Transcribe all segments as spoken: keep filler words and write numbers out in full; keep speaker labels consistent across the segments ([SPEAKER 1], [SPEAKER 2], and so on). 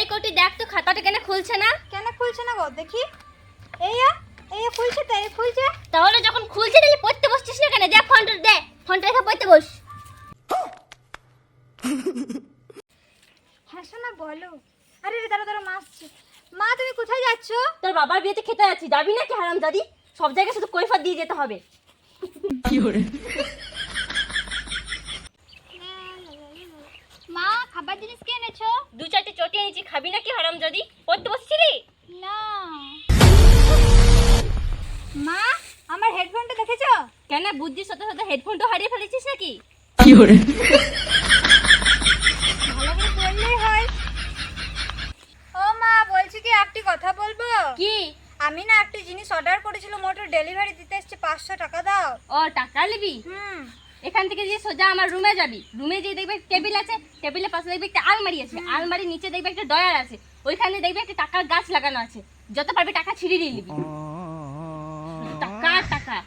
[SPEAKER 1] এই কোটি দেখ তো খাতাটা কেন খুলছে না?
[SPEAKER 2] কেন খুলছে না গো দেখি? এই এই খুলছে তো, এই খুলছে।
[SPEAKER 1] তাহলে যখন খুলছে তাহলে পড়তে বসছিস না কেন? যা ফোনটা দে, ফোনটা রেখে পড়তে বস।
[SPEAKER 2] হ্যাঁ শোনা বলো। আরে রে দাঁড়া দাঁড়া, মা আসছে। মা তুমি কোথায় যাচ্ছ?
[SPEAKER 1] তোর বাবার বিয়েতে খেতে যাচ্ছি, যাবি নাকি হারামজাদি? সব জায়গায় শুধু কৈফিয়ত দিয়ে যেতে হবে।
[SPEAKER 3] কি করে?
[SPEAKER 2] মা খাবার জিনিস কি এনেছো?
[SPEAKER 1] দু চারটে চটি এনেছি, খাবি নাকি হারামজাদি? পড়তে বসছিলি?
[SPEAKER 2] না। মা আমার হেডফোনটা দেখেছো?
[SPEAKER 1] কেন বুদ্ধির সাথে সাথে হেডফোনটা হারিয়ে ফেলেছিস নাকি?
[SPEAKER 3] কি করে?
[SPEAKER 2] ভালো করে বললেই হয়। ও মা বলছি কি একটি কথা বলবো?
[SPEAKER 1] কি?
[SPEAKER 2] আমি না একটি জিনিস অর্ডার করেছিলাম, ওটার ডেলিভারি দিতে এসেছে, পাঁচশো টাকা দাও।
[SPEAKER 1] ও টাকা নিবি?
[SPEAKER 2] হুম।
[SPEAKER 1] এখান থেকে যে সোজা আমার রুমে যাবি, রুমে যেয়ে দেখবে টেবিল আছে, টেবিলের পাশে দেখবে একটা আলমারি আছে, আলমারির নিচে দেখবে একটা ডয়ার আছে, ওইখানে দেখবে একটা টাকার গাছ লাগানো আছে, যত পারবি টাকা ছিঁড়ে নিয়ে নিবি। টাকা টাকা।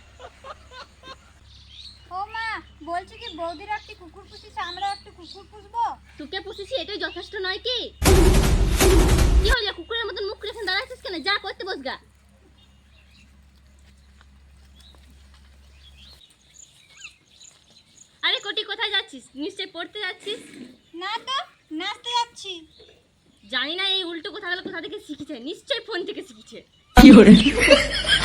[SPEAKER 2] ও মা বলছি কি বৌদির একটি কুকুর পুষিছে, আমরা একটি কুকুর পুষবো।
[SPEAKER 1] তোকে পুষেছি এটাই যথেষ্ট নয় কি? কি হলো কুকুরের মতন মুখ রেখে দাঁড়াচ্ছিস কেন? যা করতে বস গা। আরে কোটি কোথায় যাচ্ছিস? নিশ্চয়ই পড়তে যাচ্ছিস।
[SPEAKER 2] না তো, নাচতে যাচ্ছি।
[SPEAKER 1] জানি না এই উল্টো কথাগুলো কোথা থেকে শিখেছে, নিশ্চয়ই ফোন থেকে শিখেছে।
[SPEAKER 3] কি করে?